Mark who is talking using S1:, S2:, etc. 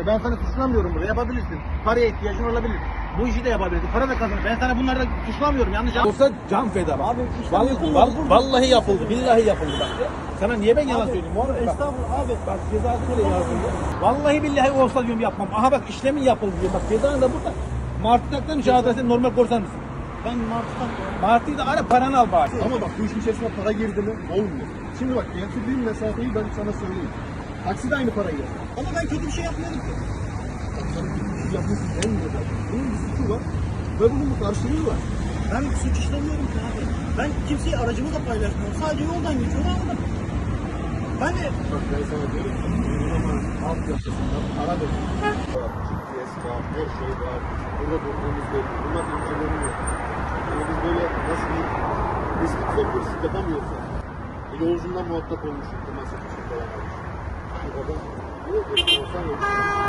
S1: Ben sana suçlamıyorum burada. Yapabilirsin. Paraya ihtiyacın olabilir. Bu işi de yapabilirsin. Para da kazanır. Ben sana bunları da suçlamıyorum. Yanlış olsa can feda.
S2: Abi işte
S1: Vallahi yapıldı. Billahi yapıldı bak. Sana niye ben yalan söyleyeyim? Oğlum, bak.
S2: Estağfurullah abi.
S1: Bak cezası bile yazıldı. Vallahi billahi olsa diyorum yapmam. Aha bak işlemin yapıldı diyor. Bak cezanı da burada. Martı'dan müşahede sen normal korsan mısın?
S2: Ben Martı'dan
S1: Martı'yı da ara paranı al bari.
S3: Ama bak bu işin içerisinde para girdi mi olmuyor. Şimdi bak getirdiğim mesafeyi ben sana söyleyeyim. Taksi de aynı parayı yer.
S2: ama ben kötü bir şey yapmıyorum ki.
S3: Şu yapması en güzel. Bunun bir suçu var ve bunun bir karşılığı var.
S2: Ben suç işlemiyorum ki abi. Ben kimseyi aracımı da paylaşmıyorum. Sadece yoldan geçiyorum aldım. Ben de
S3: Bak ben sana diyorum ki uygulamanın alt yapısından para verin. GPS var, her şey var. Burada durduğumuz belli. Bunlar inceleniyor. Yani biz böyle nasıl diyeyim, riskli hırsızlık yapamıyoruz yani. Yolcundan muhatap olmuşum. Temas etmişim falan. Bu kadar. Yok, olsan yok.